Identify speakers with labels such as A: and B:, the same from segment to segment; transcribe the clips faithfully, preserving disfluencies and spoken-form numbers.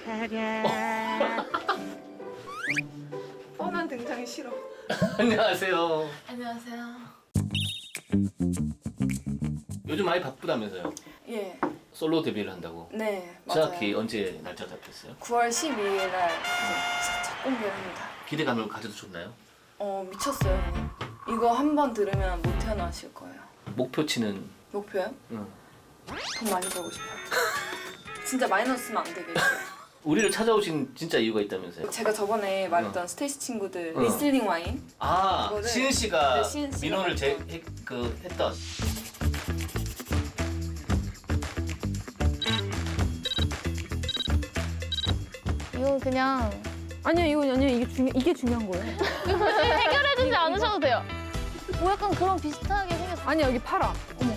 A: 뻔한 등장이 싫어.
B: 안녕하세요.
C: 안녕하세요.
B: 요즘 많이 바쁘다면서요?
A: 예.
B: 솔로 데뷔를 한다고?
A: 네, 맞아요.
B: 정확히 언제 날짜 잡혔어요?
A: 구월 십이일 날 이제 첫 공개를 합니다.
B: 기대감을 가져도 좋나요?
A: 어, 미쳤어요. 그냥. 이거 한 번 들으면 못 태어나실 거예요.
B: 목표치는?
A: 목표요?
B: 응.
A: 돈 많이 벌고 싶어요. 진짜 마이너스 쓰면 안 되겠어요.
B: 우리를 찾아오신 진짜 이유가 있다면서요?
A: 제가 저번에 말했던 스테이시 친구들
B: 응.
A: 리슬링 와인
B: 아,
A: 이거를-
B: 시은 씨가
A: 네, 시은 씨가
B: 민호를 제,
A: 먼저.
B: 해, 그 했던.
D: 이건 그냥
E: 아니요, 이거 아니요. 이게 중요 이게 중요한 거예요.
D: 해결해주지 않으셔도 돼요. 뭐 약간 그런 비슷하게 생겼어.
E: 아니야, 여기 팔아. 어머.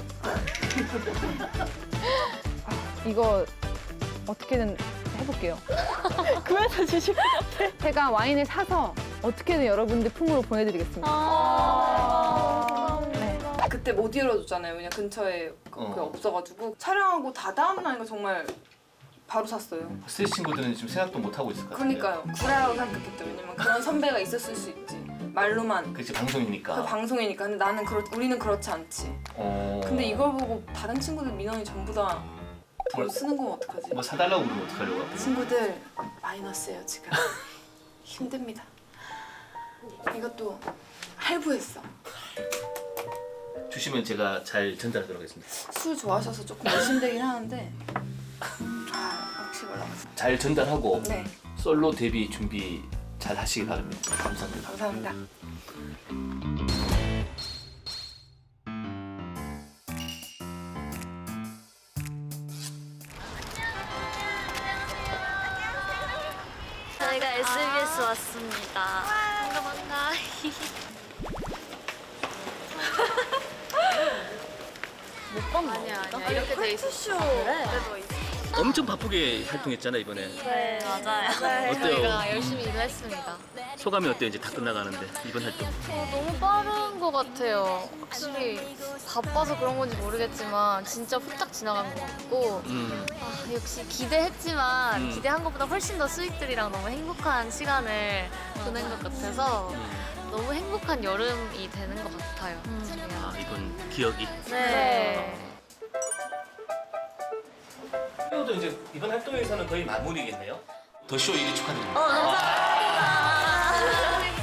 E: 아, 이거 어떻게든 해볼게요. 구해서 주실 것 같아. 제가 와인을 사서 어떻게든 여러분들 품으로 보내드리겠습니다.
D: 아,
E: 네.
A: 그때 못 열어줬잖아요. 왜냐 근처에 그,
B: 어.
A: 그게 없어가지고 촬영하고 다 다음 날인가 정말 바로 샀어요.
B: 스테이시 친구들은 지금 생각도 못 하고 있을 것 같은데.
A: 그러니까요. 구라라고 생각했죠. 왜냐면 그런 선배가 있었을 수 있지. 말로만.
B: 그치, 방송이니까.
A: 그 방송이니까. 근데 나는 그렇, 우리는 그렇지 않지.
B: 어...
A: 근데 이걸 보고 다른 친구들 민원이 전부 다 돈
B: 뭐-
A: 쓰는 건 어떡하지?
B: 뭐 사달라고 그러면 어떡하려고?
A: 친구들 마이너스예요 지금. 힘듭니다. 이것도 할부했어.
B: 주시면 제가 잘 전달하도록 하겠습니다.
A: 술 좋아하셔서 조금 의심되긴 하는데 아 혹시 몰라서.
B: 잘 전달하고
A: 네,
B: 솔로 데뷔 준비 잘 하시기 바랍니다. 감사합니다.
A: 감사합니다.
C: 저희가 에스비에스 왔습니다. 반가 반가. 아니야 아니야 이렇게 돼 있었어. 그래도 있어.
B: 엄청 바쁘게 활동했잖아 이번에.
C: 네 맞아요.
B: 어때요?
C: 저희가 열심히 일을 했습니다.
B: 소감이 어때요? 이제 다 끝나가는데 이번 활동.
D: 어, 너무 빠른 것 같아요. 확실히 바빠서 그런 건지 모르겠지만 진짜 후딱 지나간 것 같고
B: 음.
D: 아, 역시 기대했지만
B: 음.
D: 기대한 것보다 훨씬 더 스윗들이랑 너무 행복한 시간을 보낸 것 같아서
B: 음.
D: 너무 행복한 여름이 되는 것 같아요.
B: 아 이번 기억이.
D: 네.
B: 도 이제 이번 활동에서는 거의 마무리겠네요. 더 쇼 일 위 축하드립니다.
C: 어 감사합니다.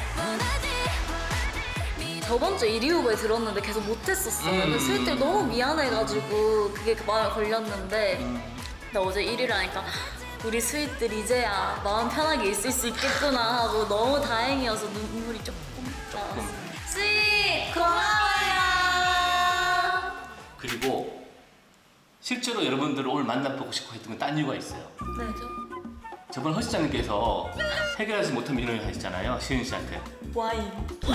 C: 저번 주 일 위 후보에 들었는데 계속 못했었어요.
B: 음.
C: 근데 스윗들 너무 미안해가지고 그게 그 마음에 걸렸는데 근데 어제 일 위를 하니까 우리 스윗들 이제야 마음 편하게 있을 수 있겠구나 하고 너무 다행이어서 눈물이 조금 나왔어요. 스윗 고마워요.
B: 그리고 실제로 여러분들을 오늘 만나보고 싶고 했던 건 딴 이유가 있어요.
C: 네.
B: 저번 허 시장님께서 해결하지 못한 민원을 하셨잖아요. 시은 씨한테.
C: 와인.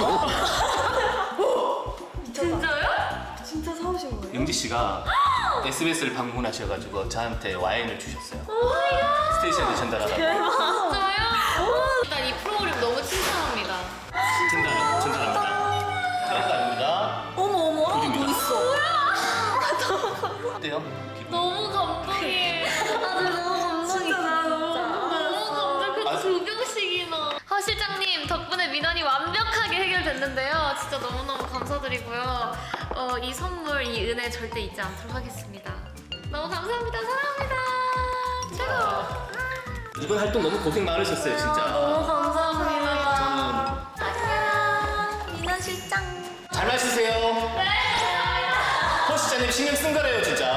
A: 진짜요? 진짜 사오신 거예요?
B: 영지 씨가 에스비에스를 방문하셔가지고 저한테 와인을 주셨어요. 스테이시한테 전달하라고.
D: 진짜요? 일단 이 프로그램 너무 칭찬합니다.
B: 전달, 전달합니다. 하나도 아닙니다.
C: 어머 어머 하나 더
B: 둘입니다.
C: 있어.
B: 어때요? 기분?
D: 너무 감동이에요.
C: 아 너무 감동이다.
D: 너무 감동.
B: 아,
D: 그 두 병씩이나. 허 실장님 덕분에 민원이 완벽하게 해결됐는데요. 진짜 너무너무 감사드리고요. 어, 이 선물, 이 은혜 절대 잊지 않도록 하겠습니다. 너무 감사합니다. 사랑합니다. 최고.
B: 이번 활동 너무 고생 많으셨어요, 진짜.
C: 너무 감사합니다.
B: 저는
C: 안녕 민원 실장.
B: 잘 마시세요. 네. 허 시장님 신경 쓴 거래요, 진짜.